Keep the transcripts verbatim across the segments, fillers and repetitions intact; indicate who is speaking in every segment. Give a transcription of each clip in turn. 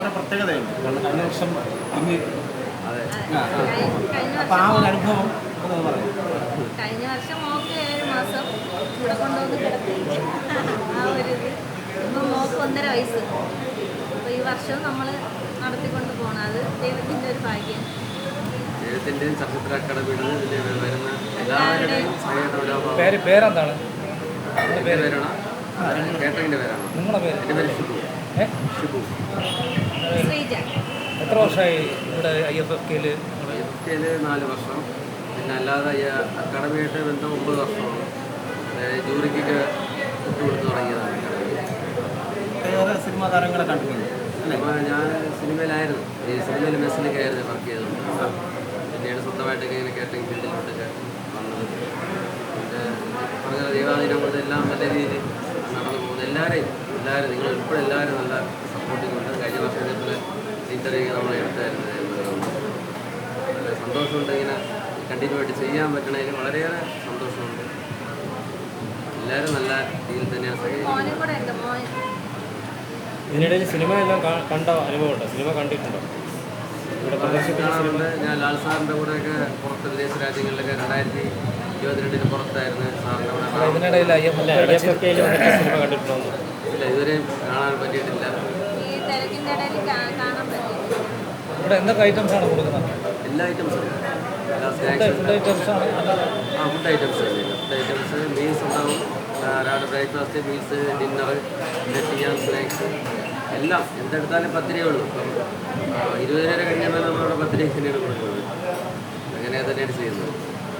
Speaker 1: പ്രത്യേകതയുണ്ട്. കാരണം കഴിഞ്ഞ വർഷം ഇന്ന്
Speaker 2: അതെ
Speaker 1: അപ്പോൾ ആ ഒരു അനുഭവം ഒന്ന് പറയാം.
Speaker 3: കഴിഞ്ഞ വർഷം മോക്ക് ഏഴ് മാസം ഇവിടെ കൊണ്ടുവന്ന് കിടത്തി ആ ഒരു ഇത് ഇപ്പം മോക്ക് ഒന്നര വയസ്സ്. അപ്പോൾ ഈ വർഷവും നമ്മൾ നടത്തിക്കൊണ്ട് പോകണം. അത് ദൈവത്തിൻ്റെ ഒരു ഭാഗ്യം.
Speaker 2: ദൈവത്തിൻ്റെയും ചലച്ചിത്ര അക്കാദമിയുടെ ഇതിൽ വരുന്ന എല്ലാവരുടെയും
Speaker 4: പേര് പേരെന്താണ്?
Speaker 2: പേരാണ് കേട്ടറിൻ്റെ പേരാണ്.
Speaker 4: നിങ്ങളുടെ പേര്?
Speaker 2: എൻ്റെ പേര് ഷിബു.
Speaker 4: ഏ
Speaker 2: ഷിബു.
Speaker 3: ശ്രീജ.
Speaker 4: എത്ര വർഷമായി ഇവിടെ ഐ എഫ് എഫ് കെയിൽ?
Speaker 2: ഐ എഫ് കെയിൽ നാല് വർഷം. പിന്നെ അല്ലാതെ ഈ അക്കാദമിയായിട്ട് ബന്ധം ഒമ്പത് വർഷമാണ്. ജൂറിക്കൊക്കെ വിട്ടുകൊടുത്ത് തുടങ്ങിയതാണ് അക്കാദമി.
Speaker 1: വേറെ സിനിമാ താരങ്ങളെ കണ്ടിട്ടുണ്ട് അല്ലേ?
Speaker 2: ഞാൻ സിനിമയിലായിരുന്നു. ഈ സിനിമയിൽ മെസ്സിലൊക്കെ ആയിരുന്നു വർക്ക് ചെയ്തത്. പിന്നീട് സ്വന്തമായിട്ടൊക്കെ ഇങ്ങനെ കാറ്ററിംഗ് ഫീൽഡിലോട്ടൊക്കെ വന്നത്. പിന്നെ പറഞ്ഞ ദൈവാധീനം കൊണ്ട് എല്ലാം നല്ല രീതിയിൽ നടന്നു പോകുന്നത്. എല്ലാവരെയും എല്ലാവരും നിങ്ങൾ ഉൾപ്പെടെ എല്ലാവരും നല്ല സപ്പോർട്ടിംഗ് ഉണ്ട്. കഴിഞ്ഞ വർഷം ഇതേപോലെ ഇന്റർവ്യൂ നമ്മൾ എടുത്തായിരുന്നു. വളരെ സന്തോഷമുണ്ട്. ഇങ്ങനെ കണ്ടിന്യൂ ആയിട്ട് ചെയ്യാൻ പറ്റണതിൽ വളരെയേറെ സന്തോഷമുണ്ട്. എല്ലാവരും നല്ല രീതിയിൽ തന്നെയാണ്
Speaker 3: മോനും കൂടെ ഉണ്ട്. മോൻ
Speaker 4: ഇതിനിടയിൽ സിനിമ എല്ലാം കണ്ട അനുഭവമുണ്ടോ? സിനിമ കണ്ടിട്ടുണ്ടോ? ഇവിടെ
Speaker 2: കാണാറുണ്ട്. ഞാൻ ലാൽ സാറിൻ്റെ കൂടെയൊക്കെ പുറത്ത് വിദേശ രാജ്യങ്ങളിലൊക്കെ രണ്ടായിരത്തി ഇരുപത്തിരണ്ടിന് പുറത്തായിരുന്നു സാറിൻ്റെ കൂടെ.
Speaker 4: ഇതിനിടയിൽ ഐ എഫ് എഫ് കെയിൽ സിനിമ കണ്ടിട്ടുണ്ടോ?
Speaker 2: ഇല്ല, ഇതുവരെയും കാണാൻ പറ്റിയിട്ടില്ല.
Speaker 3: ഈ തിരക്കിൻ്റെ ഇടയിൽ കാണാൻ പറ്റും.
Speaker 4: ഇവിടെ എന്തൊക്കെ ഐറ്റംസ് ആണ് കൊടുക്കുന്നത്?
Speaker 2: എല്ലാ ഐറ്റംസും എല്ലാ
Speaker 4: ഫുഡ് ഐറ്റംസ് ആണ്.
Speaker 2: ആ food items food items meals ഉണ്ടാവും. രാവിലെ ബ്രേക്ക്ഫാസ്റ്റ്, മീൽസ്, ഡിന്നർ, ചെയ്യാൻ സ്നാക്സ് എല്ലാം എന്തെടുത്താലും പത്ത് രൂപയേ ഉള്ളൂ. ഇപ്പം ഇരുപത് രൂപ കഴിഞ്ഞാൽ നമ്മളവിടെ പത്ത് രൂപ തന്നെയാണ് കൊടുക്കുന്നത്. അങ്ങനെ തന്നെയാണ് ചെയ്യുന്നത്.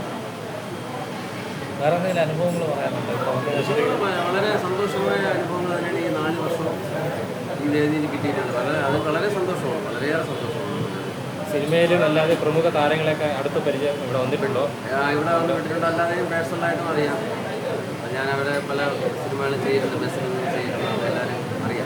Speaker 4: വേറെ എന്തെങ്കിലും അനുഭവങ്ങൾ പറയാനുണ്ടോ?
Speaker 2: വളരെ സന്തോഷമായ അനുഭവങ്ങൾ തന്നെയാണ് ഈ നാല് വർഷം ഈ വേദിയിൽ കിട്ടിയിട്ടുണ്ട്. വളരെ അത് വളരെ സന്തോഷമാണ്, വളരെയേറെ സന്തോഷമാണ്.
Speaker 4: സിനിമയിലും അല്ലാതെ പ്രമുഖ താരങ്ങളെയൊക്കെ അടുത്ത പരിചയം ഇവിടെ വന്നിട്ടുണ്ടോ?
Speaker 2: ഇവിടെ വന്ന് വിട്ടിട്ടുണ്ട്. അല്ലാതെയും പേഴ്സണലായിട്ടും അറിയാം. ഞാൻ അവിടെ പല സിനിമകളും ചെയ്യുന്നുണ്ട്. ബസ്സിൽ നിന്ന് ചെയ്യുന്നുണ്ട്. എല്ലാവരും അറിയാം.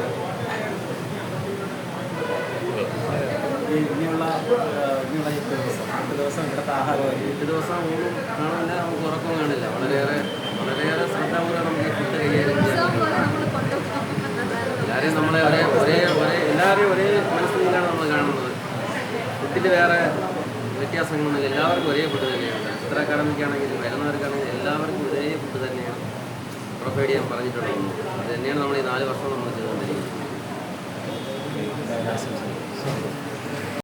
Speaker 1: ഇനിയുള്ള ഇനിയുള്ള എട്ട് ദിവസം എട്ട് ദിവസം ഇവിടുത്തെ ആഹാരം
Speaker 2: എട്ട് ദിവസം ഊണും കാണില്ല, നമുക്ക് ഉറക്കവും കാണില്ല. വളരെയേറെ വളരെയേറെ ശ്രദ്ധാപൂർവ്വം നമുക്ക് ഈ ഫുഡ് കൈകാര്യം ചെയ്യാൻ. എല്ലാവരെയും നമ്മളെ ഒരേ ഒരേ ഒരേ എല്ലാവരെയും ഒരേ മനസ്സിലാണ് നമ്മൾ കാണുന്നത്. ഫുഡിൽ വേറെ വ്യത്യാസങ്ങളൊന്നുമില്ല. എല്ലാവർക്കും ഒരേ ഫുഡ് തന്നെയാണ്. എത്ര അക്കാദമിക്കാണെങ്കിലും വരുന്നവർക്കാണെങ്കിലും എല്ലാവർക്കും ഒരേ ഫുഡ് തന്നെയാണ് പ്രൊവൈഡ് ചെയ്യാൻ പറഞ്ഞിട്ടുള്ളത്. അത് തന്നെയാണ് നമ്മൾ ഈ നാല് വർഷം നമ്മൾ ചെയ്തുകൊണ്ടിരിക്കുന്നത്.